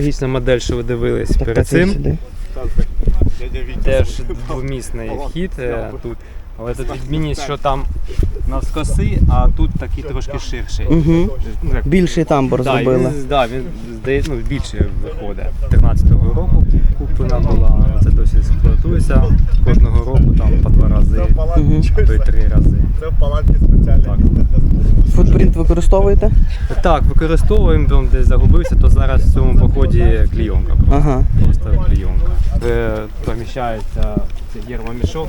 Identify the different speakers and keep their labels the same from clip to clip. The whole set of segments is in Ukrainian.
Speaker 1: Аналогічна модель, що ви дивились перед цим. Теж двомісний вхід тут. Але тут відмінність, що там навскоси, а тут такий трошки ширший.
Speaker 2: Більший тамбур зробили.
Speaker 1: Так, він здається, більше виходить. 13-го року куплена була, це досі експлуатується. Кожного року там по 2 рази, а то й 3 рази.
Speaker 3: Це в палатці спеціальні.
Speaker 2: Футпринт використовуєте?
Speaker 1: Так, використовуємо, там десь загубився, то зараз в цьому поході клійонка. Просто клійонка. Поміщається гермомішок,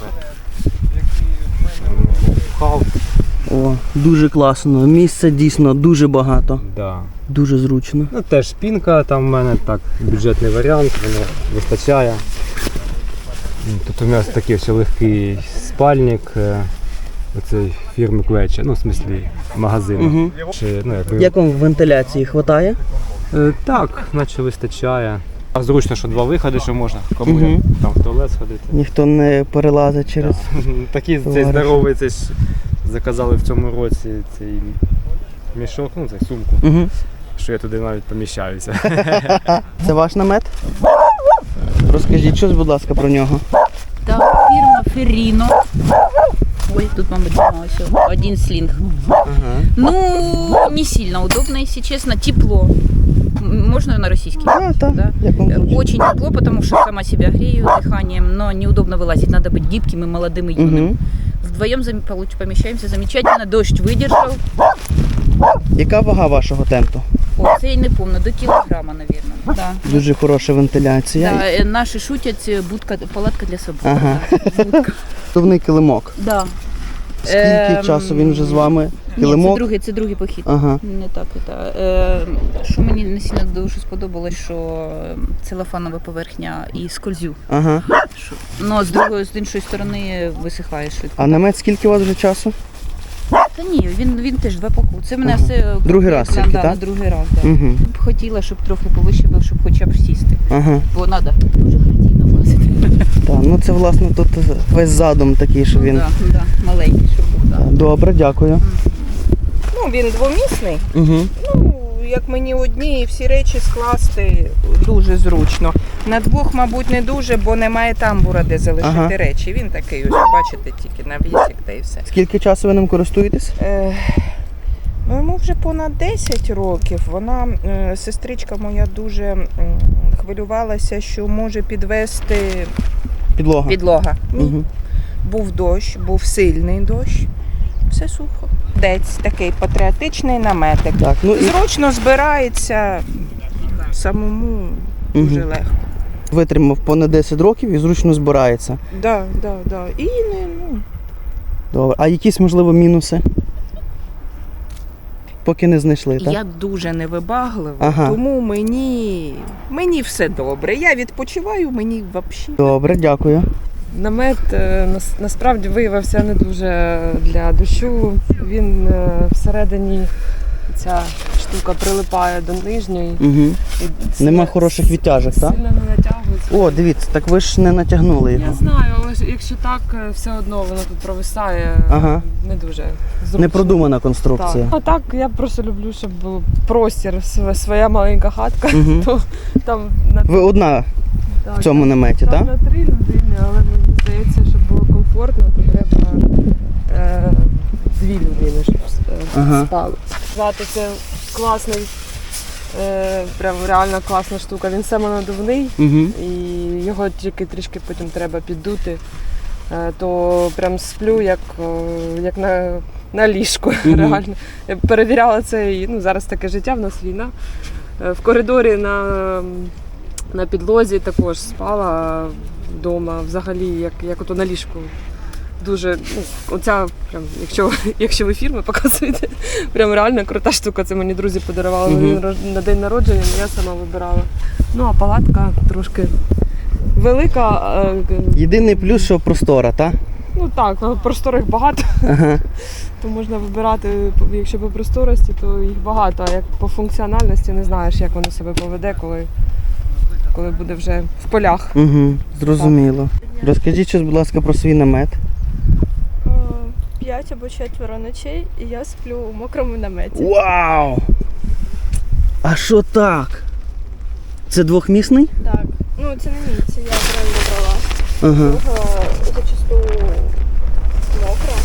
Speaker 2: О, дуже класно. Місця дійсно дуже багато.
Speaker 1: Да.
Speaker 2: Дуже зручно.
Speaker 1: Ну, теж спинка, там в мене так бюджетний варіант, воно вистачає. Тут у нас такий ще легкий спальник, оцей фірми Клеча, ну в смислі магазину.
Speaker 2: Як вам вентиляції хватає?
Speaker 1: Так, наче вистачає. А зручно, що 2 виходи, що можна кому там в туалет сходити.
Speaker 2: Ніхто не перелазить через...
Speaker 1: Такий цей здоровий, цей заказали в цьому році цей мішок, ну цей сумку, що я туди навіть поміщаюся.
Speaker 2: Це ваш намет? Розкажіть щось, будь ласка, про нього.
Speaker 4: Так, фірма Ferrino. Ой, тут, мабуть, все. Один слинг. Ну, не сильно удобно, если честно. Тепло. Можно на российский?
Speaker 2: Да.
Speaker 4: Очень тепло, потому что сама себя грею дыханием, но неудобно вылазить. Надо быть гибким и молодым и юным. Вдвоем помещаемся замечательно. Дождь выдержал.
Speaker 2: Яка вага вашого тенту?
Speaker 4: О, це я не пам'ятаю, до кілограма, мабуть. Да.
Speaker 2: Дуже хороша вентиляція.
Speaker 4: Да, наші шутять, палатка для собак.
Speaker 2: Ага.
Speaker 4: Будка.
Speaker 2: Товний килимок.
Speaker 4: Да.
Speaker 2: Скільки часу він вже з вами? Килимок?
Speaker 4: Ні, це другий похід.
Speaker 2: Ага.
Speaker 4: Не так. Що мені не сильно дуже сподобалось, що целофанова поверхня і скользю.
Speaker 2: Ага.
Speaker 4: Но з іншої сторони висихає швидко.
Speaker 2: А намет скільки у вас вже часу?
Speaker 4: Та ні, він теж 2 походи. Це мене все...
Speaker 2: Другий раз тільки, так?
Speaker 4: Да, другий раз, так. Б хотіла, щоб трохи повище був, щоб хоча б сісти.
Speaker 2: Ага.
Speaker 4: Бо треба дуже хотіно влазити.
Speaker 2: Так, ну це власне тут весь задум такий, що він...
Speaker 4: Да, маленький, щоб був, так.
Speaker 2: Добре, дякую.
Speaker 5: Ну, він двомісний.
Speaker 2: Угу.
Speaker 5: Ну, як мені одні і всі речі скласти дуже зручно. На 2, мабуть, не дуже, бо немає тамбура, де залишити речі. Він такий, ось, бачите, тільки на вісік та і все.
Speaker 2: Скільки часу ви ним користуєтесь?
Speaker 5: Ну, йому вже понад 10 років. Вона, сестричка моя, дуже хвилювалася, що може підвести підлога.
Speaker 2: Угу.
Speaker 5: Був дощ, був сильний дощ, все сухо. Дець такий патріотичний наметик.
Speaker 2: Так, ну і...
Speaker 5: Зручно збирається, самому дуже легко.
Speaker 2: Витримав понад 10 років і зручно збирається.
Speaker 5: Да. І
Speaker 2: Добре. А якісь, можливо, мінуси? Поки не знайшли, так?
Speaker 5: Я дуже невибаглива, тому мені все добре. Я відпочиваю, мені взагалі.
Speaker 2: Добре, дякую.
Speaker 6: Намет насправді виявився не дуже для дощу. Він всередині, ця штука прилипає до нижньої.
Speaker 2: Угу. Нема хороших відтяжок, так?
Speaker 6: Сильно не натягується.
Speaker 2: О, дивіться, так ви ж не натягнули його.
Speaker 6: Я знаю, але якщо так, все одно воно тут провисає, не дуже зручно.
Speaker 2: Непродумана конструкція.
Speaker 6: Так. А так, я просто люблю, щоб був простір, своя маленька хатка. То, там,
Speaker 2: ви одна в цьому наметі, так?
Speaker 6: На 3 людини, але мені здається, щоб було комфортно, то треба 2 людини, щоб спали. Знати, це класний, прям реально класна штука. Він самонадувний, і його тільки трішки потім треба піддути, то прям сплю як на ліжку. Реально. Я перевіряла це, і зараз таке життя, в нас війна. В коридорі на підлозі також спала вдома, взагалі, як ото на ліжку. Дуже, оця, прям, якщо ви фірми показуєте, прям реально крута штука. Це мені друзі подарували на день народження, я сама вибирала. Ну, а палатка трошки велика.
Speaker 2: Єдиний плюс, що простора, так?
Speaker 6: Ну так, просторих багато, то можна вибирати, якщо по просторості, то їх багато, а як по функціональності не знаєш, як воно себе поведе, коли буде вже в полях.
Speaker 2: Зрозуміло. Розкажіть щось, будь ласка, про свій намет.
Speaker 7: 5 або 4 ночей, і я сплю у мокрому наметі.
Speaker 2: Вау! А що так? Це двохмісний?
Speaker 7: Так. Ну, це не мій, це я правильно брала.
Speaker 2: Ага.
Speaker 7: Друга зачасту мокра.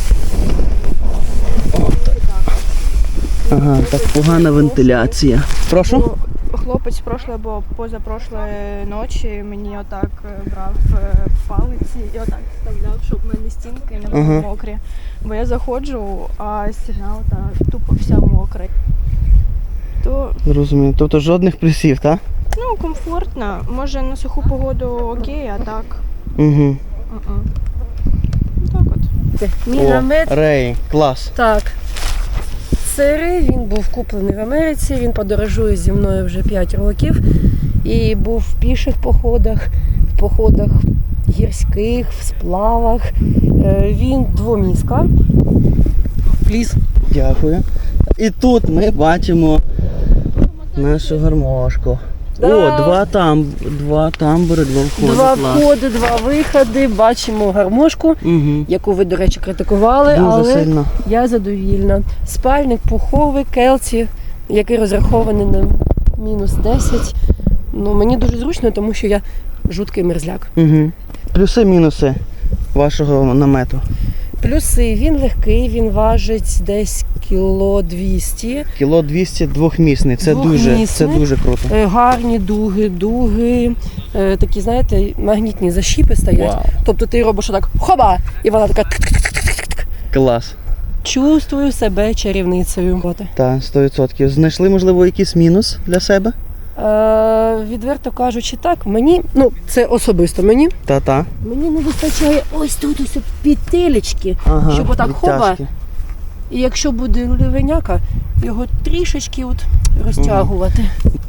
Speaker 2: Ага, так погана вентиляція. Прошу?
Speaker 7: Ну, хлопець прошлої або позапрошлої ночі мені отак брав палиці і отак вставляв, щоб в мене стінки не були
Speaker 2: Ага.
Speaker 7: мокрі. Бо я заходжу, а стіна отак тупо вся мокра. То,
Speaker 2: Розумію. Тобто жодних плюсів, так?
Speaker 7: ну, комфортно. Може на суху погоду окей, а так.
Speaker 2: Угу.
Speaker 7: м-м. Так от.
Speaker 6: Мій
Speaker 2: О,
Speaker 6: намет,
Speaker 2: Рей, клас.
Speaker 6: так. Сирий, він був куплений в Америці, він подорожує зі мною вже 5 років. І був в піших походах, в походах гірських, в сплавах. Він двоміска. Пліс.
Speaker 2: Дякую. І тут ми бачимо нашу гармошку.
Speaker 6: Да.
Speaker 2: О, два тамбури, два входи.
Speaker 6: Два
Speaker 2: клас.
Speaker 6: входи, два виходи. Бачимо гармошку,
Speaker 2: Угу.
Speaker 6: яку ви, до речі, критикували,
Speaker 2: Дуже
Speaker 6: але
Speaker 2: сильно.
Speaker 6: я задовільна. Спальник пуховий, келці, який розрахований на мінус 10. Ну, мені дуже зручно, тому що я жуткий мерзляк.
Speaker 2: Угу. Плюси-мінуси вашого намету.
Speaker 6: Плюси, він легкий, він важить десь кіло 200.
Speaker 2: Кіло 200 двохмісний. Це
Speaker 6: Двохмісний.
Speaker 2: дуже круто.
Speaker 6: Гарні дуги, такі, знаєте, магнітні защіпи стоять.
Speaker 2: Вау.
Speaker 6: Тобто ти робиш отак хоба, і вона така тк-тк-тк-тк-тк.
Speaker 2: Клас.
Speaker 6: Чувствую себе чарівницею.
Speaker 2: Так, 100%. Знайшли, можливо, якийсь мінус для себе?
Speaker 6: Відверто кажучи, так, мені, ну це особисто мені.
Speaker 2: Та-та.
Speaker 6: Мені не вистачає ось тут ось петелечки,
Speaker 2: Ага,
Speaker 6: щоб отак хоба.
Speaker 2: відтяжки.
Speaker 6: І якщо буде ливеняка, його трішечки от розтягувати.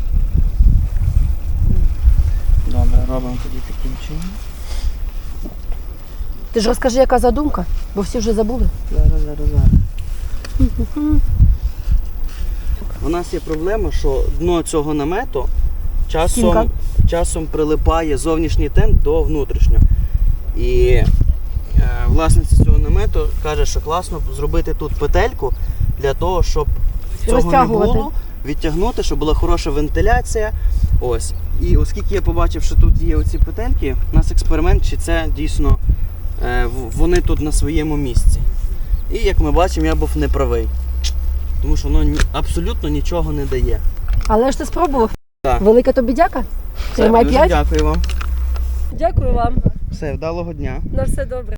Speaker 2: Добре, робимо тоді таким чином.
Speaker 6: Ти ж розкажи, яка задумка, бо всі вже забули.
Speaker 2: Зараз. У нас є проблема, що дно цього намету
Speaker 6: Стінка.
Speaker 2: часом прилипає зовнішній тент до внутрішнього. І власниця цього намету каже, що класно зробити тут петельку для того, щоб цього не
Speaker 6: Розтягувати.
Speaker 2: було, відтягнути, щоб була хороша вентиляція. Ось. І оскільки я побачив, що тут є оці петельки, у нас експеримент, чи це дійсно вони тут на своєму місці. І як ми бачимо, я був неправий. Тому що воно абсолютно нічого не дає.
Speaker 6: Але ж ти спробував.
Speaker 2: Так.
Speaker 6: Велика тобі дяка.
Speaker 2: Все,
Speaker 6: Тримай
Speaker 2: дуже
Speaker 6: 5.
Speaker 2: дякую вам.
Speaker 6: Дякую вам.
Speaker 2: Все, вдалого дня.
Speaker 6: На все добре.